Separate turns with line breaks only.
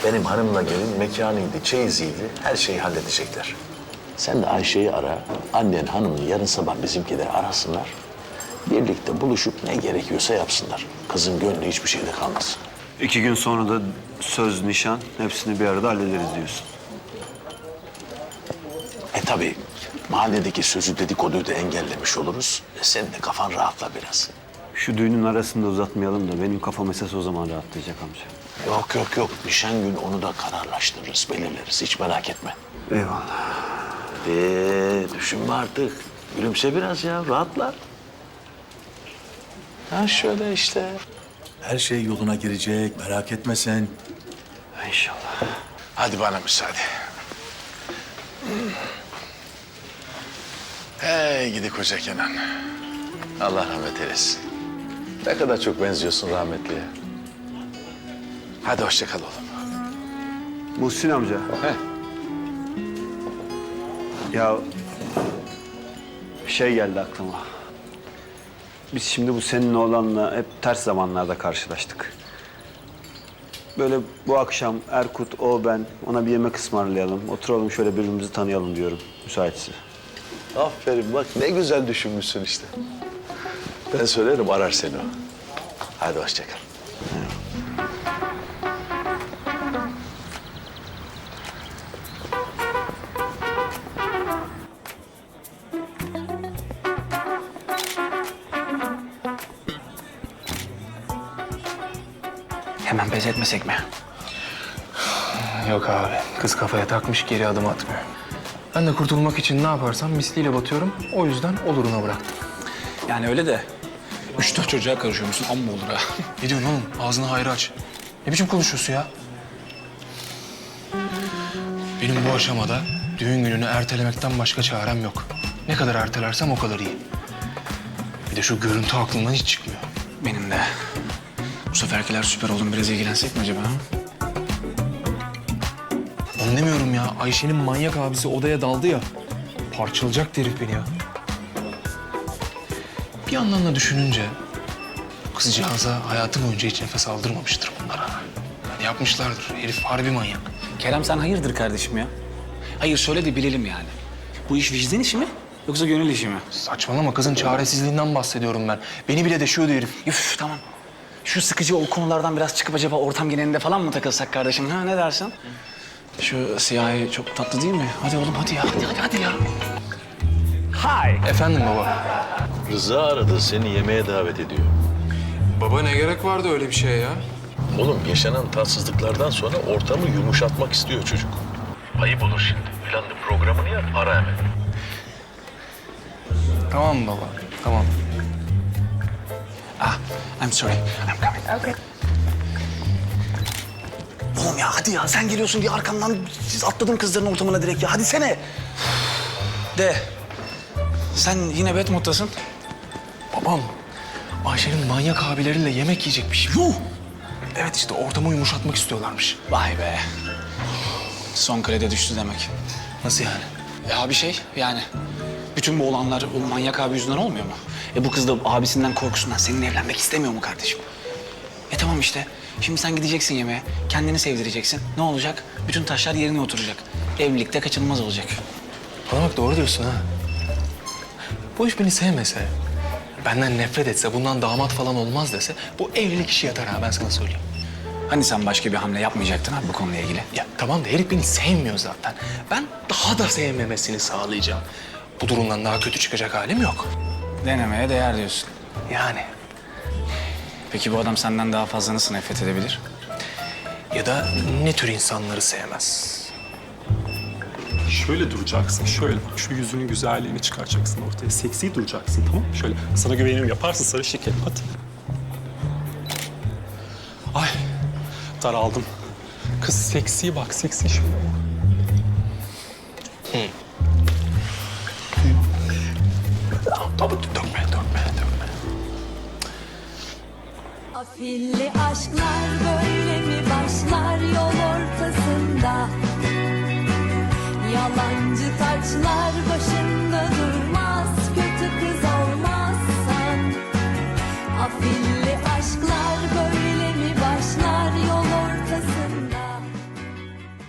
Benim hanımla gelin mekanıydı, çeyiziydi. Her şeyi halledecekler. Sen de Ayşe'yi ara. Annen hanımını yarın sabah bizimkileri arasınlar. Birlikte buluşup ne gerekiyorsa yapsınlar. Kızın gönlü hiçbir şeyde kalmasın.
2 gün sonra da söz, nişan hepsini bir arada hallederiz diyorsun.
Tabii mahalledeki sözü dedikoduyu da engellemiş oluruz. Senin de kafan rahatla biraz.
Şu düğünün arasında uzatmayalım da benim kafam esas o zaman rahatlayacak amca.
Yok. Nişan günü onu da kararlaştırırız, belirleriz. Hiç merak etme.
Eyvallah.
Düşünme artık. Gülümse biraz ya, rahatla. Ha şöyle işte.
Her şey yoluna girecek, merak etme sen.
İnşallah.
Hadi bana müsaade. Hey gidi koca Kenan. Allah rahmet eylesin. Ne kadar çok benziyorsun rahmetliye. Hadi hoşça kal oğlum.
Muhsin amca.
He.
Ya bir şey geldi aklıma. Biz şimdi bu senin oğlanla hep ters zamanlarda karşılaştık. Böyle bu akşam Erkut, o, ben ona bir yemek ısmarlayalım. Oturalım şöyle birbirimizi tanıyalım diyorum müsaitse.
Aferin bak ne güzel düşünmüşsün işte. Ben söylerim arar seni o. Hadi hoşça kal.
Hemen pes etmesek mi?
Yok abi. Kız kafaya takmış geri adım atmıyor. Ben de kurtulmak için ne yaparsam misliyle batıyorum. O yüzden oluruna bıraktım.
Yani öyle de 3-4 çocuğa karışıyormuşsun, amma olur ha.
Ne diyorsun oğlum? Ağzını hayra aç. Ne biçim konuşuyorsun ya? Benim bu aşamada düğün gününü ertelemekten başka çarem yok. Ne kadar ertelersem o kadar iyi. Bir de şu görüntü aklımdan hiç çıkmıyor.
Benim de. Bu seferkiler süper oğlum, biraz ilgilensek mi acaba? Ha?
Anlamıyorum ya. Ayşe'nin manyak abisi odaya daldı ya. Parçalayacaktı herif beni ya. Bir yandan da düşününce kızcağıza hayatı boyunca hiç nefes aldırmamıştır bunlara. Yani yapmışlardır. Herif harbi manyak.
Kerem sen hayırdır kardeşim ya? Hayır söyle de bilelim yani. Bu iş vicdan işi mi yoksa gönül işi mi?
Saçmalama, kızın çaresizliğinden bahsediyorum ben. Beni bile deşiyordu herif.
Üf tamam. Şu sıkıcı o konulardan biraz çıkıp acaba ortam genelinde falan mı takılsak kardeşim? Ha ne dersin? Şu siyahi çok tatlı değil mi? Hadi oğlum hadi ya. Hadi ya.
Efendim baba?
Rıza aradı seni yemeğe davet ediyor.
Baba ne gerek vardı öyle bir şeye ya?
Oğlum yaşanan tatsızlıklardan sonra ortamı yumuşatmak istiyor çocuk. Ayıp olur şimdi. Planlı programını yap ara hemen.
Tamam baba, tamam.
Ah, I'm sorry. I'm coming. Okay. Oğlum ya hadi ya sen geliyorsun diye arkamdan atladın kızların ortamına direkt ya. Hadi sene. De. Sen yine bad moddasın.
Babam, Ayşe'nin manyak abileriyle yemek yiyecekmiş.
Yuh!
Evet işte ortamı yumuşatmak istiyorlarmış.
Vay be. Son kredi düştü demek.
Nasıl yani?
Ya bir şey yani. Bütün bu olanlar o manyak abi yüzünden olmuyor mu? Bu kız da abisinden korkusundan seninle evlenmek istemiyor mu kardeşim? Tamam işte. Şimdi sen gideceksin yemeğe. Kendini sevdireceksin. Ne olacak? Bütün taşlar yerine oturacak. Evlilikte kaçınılmaz olacak.
Bana bak doğru diyorsun ha. Bu iş beni sevmese, benden nefret etse, bundan damat falan olmaz dese... ...bu evlilik işi yatar ha ben sana söyleyeyim.
Hani sen başka bir hamle yapmayacaktın abi bu konuyla ilgili?
Ya tamam da herif beni sevmiyor zaten. Ben daha da sevmemesini sağlayacağım. Bu durumdan daha kötü çıkacak halim yok.
Denemeye değer diyorsun.
Yani.
Peki bu adam senden daha fazla nasıl nefret edebilir?
Ya da ne tür insanları sevmez?
Şöyle duracaksın, şöyle bak. Şu yüzünün güzelliğini çıkaracaksın ortaya. Seksi duracaksın, tamam mı? Şöyle sana güvenirim, yaparsın sarı şekerim, hadi. Ay, daraldım. Kız seksi bak, seksi şöyle bak.
Tabii dökme.
Afilli aşklar böyle mi başlar yol ortasında? Yalancı taçlar